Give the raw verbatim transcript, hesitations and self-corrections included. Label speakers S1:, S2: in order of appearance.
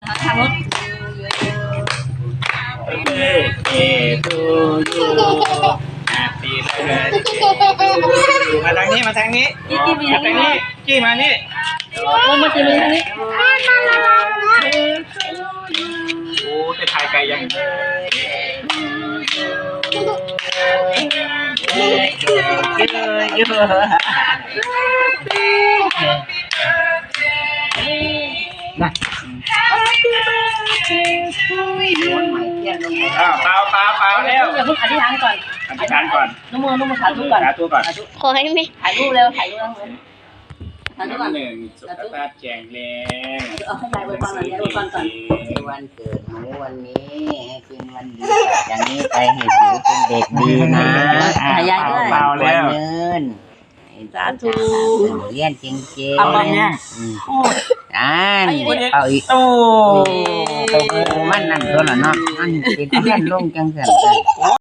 S1: ทางรถ
S2: Birthday to you Happy birthday to you มาทางนี้มาทางนี้
S1: จี้จี้มี
S2: มาทางนี้จี้มานี่
S1: โอ้มาจี้มีทางนี้
S2: โอ้จะถ่ายไกลยังนะอ้าวเปล่าเปล่าเปล่าแล้ว
S1: อย่าเพิ่งอธิษฐานก่อน
S2: อธิษฐานก่อน
S1: นุ่มมือนุ่มมือสาธุก่อน
S2: สาธุก่อน
S3: ขอให้ไม่
S1: ถ่ายรูปเร็วถ่ายรูปแล้วสาธุก่อน
S2: หนึ่งสุขภาพแข็งแรง
S1: เอาให้ยายอวยพรหน่อยยายอวยพรก่อน
S4: วันเกิดหนูวันนี้ให้เป็นวันดีจากนี้ไปให้หนูเป็นเด็กดีนะ
S1: ถ่ายยายด้วย
S2: เปล่าแล้ว
S4: เงิน
S1: สาธุ
S4: เรียนจริงๆ
S2: เอามาเนี่ย
S4: อ่านเอาอีก
S2: โอ้
S4: มันนั่นตัวละเนาะมันเป็นเพื่อนลงจังสัน